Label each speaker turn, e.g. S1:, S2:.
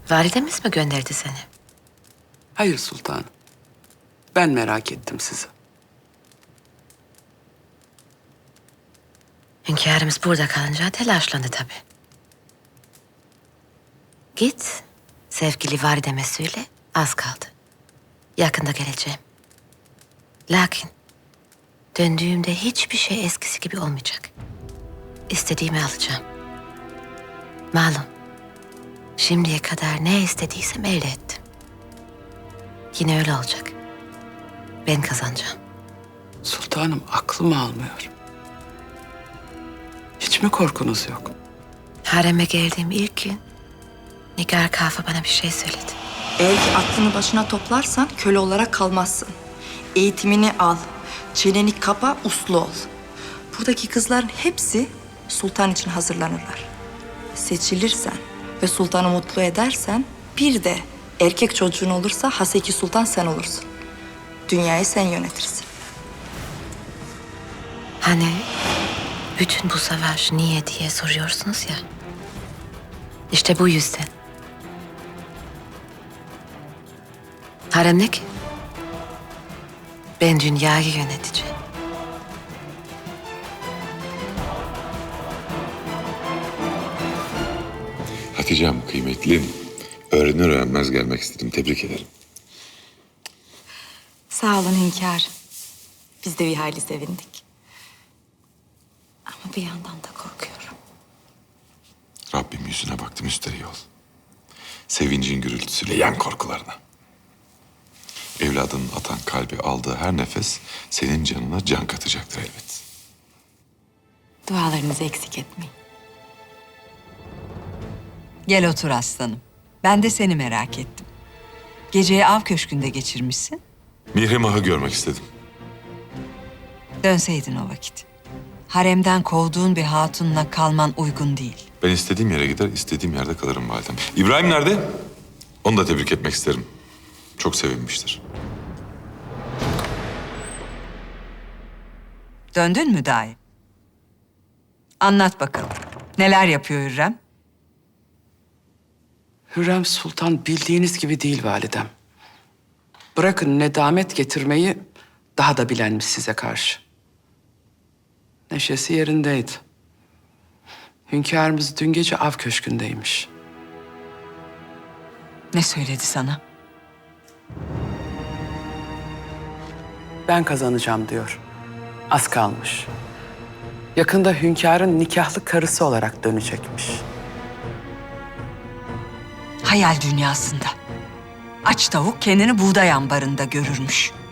S1: Validemiz mi gönderdi seni?
S2: Hayır sultanım. Ben merak ettim sizi.
S1: Hünkârımız burada kalınca telaşlandı tabii. Git, sevgili valideme söyle, az kaldı. Yakında geleceğim. Lakin döndüğümde hiçbir şey eskisi gibi olmayacak. İstediğimi alacağım. Malum, şimdiye kadar ne istediysem elde ettim. Yine öyle olacak. Ben kazanacağım.
S2: Sultanım aklım almıyor. Hiç mi korkunuz yok?
S1: Hareme geldiğim ilk gün Nigar Kafa bana bir şey söyledi.
S3: Eğer ki aklını başına toplarsan köle olarak kalmazsın. Eğitimini al, çeneni kapa, uslu ol. Buradaki kızların hepsi sultan için hazırlanırlar. Seçilirsen ve sultanı mutlu edersen bir de erkek çocuğun olursa Haseki Sultan sen olursun. Dünyayı sen yönetirsin.
S1: Hani bütün bu savaş niye diye soruyorsunuz ya. İşte bu yüzden. Harem ne ki? Ben dünyayı yöneteceğim.
S4: Hatice'm kıymetlim. Öğrenir öğrenmez gelmek istedim. Tebrik ederim.
S3: Sağ olun hünkâr. Biz de bir hayli sevindik. Ama bir yandan da korkuyorum.
S4: Rabbim yüzüne baktı müsterih ol. Sevincin gürültüsüyle yen korkularına. Evladının atan kalbi aldığı her nefes senin canına can katacaktır elbet.
S3: Dualarınızı eksik etmeyin.
S5: Gel otur aslanım. Ben de seni merak ettim. Geceyi av köşkünde geçirmişsin.
S4: Mihrimah'ı görmek istedim.
S5: Dönseydin o vakit. Haremden kovduğun bir hatunla kalman uygun değil.
S4: Ben istediğim yere gider, istediğim yerde kalırım validem. İbrahim nerede? Onu da tebrik etmek isterim. Çok sevinmiştir.
S5: Döndün mü dahi? Anlat bakalım. Neler yapıyor Hürrem?
S2: Hürrem Sultan bildiğiniz gibi değil validem. Bırakın nedamet getirmeyi daha da bilenmiş size karşı. Neşesi yerindeydi. Hünkârımız dün gece av köşkündeymiş.
S5: Ne söyledi sana?
S2: Ben kazanacağım diyor. Az kalmış. Yakında hünkârın nikahlı karısı olarak dönecekmiş.
S5: Hayal dünyasında. Aç tavuk kendini buğday ambarında görürmüş.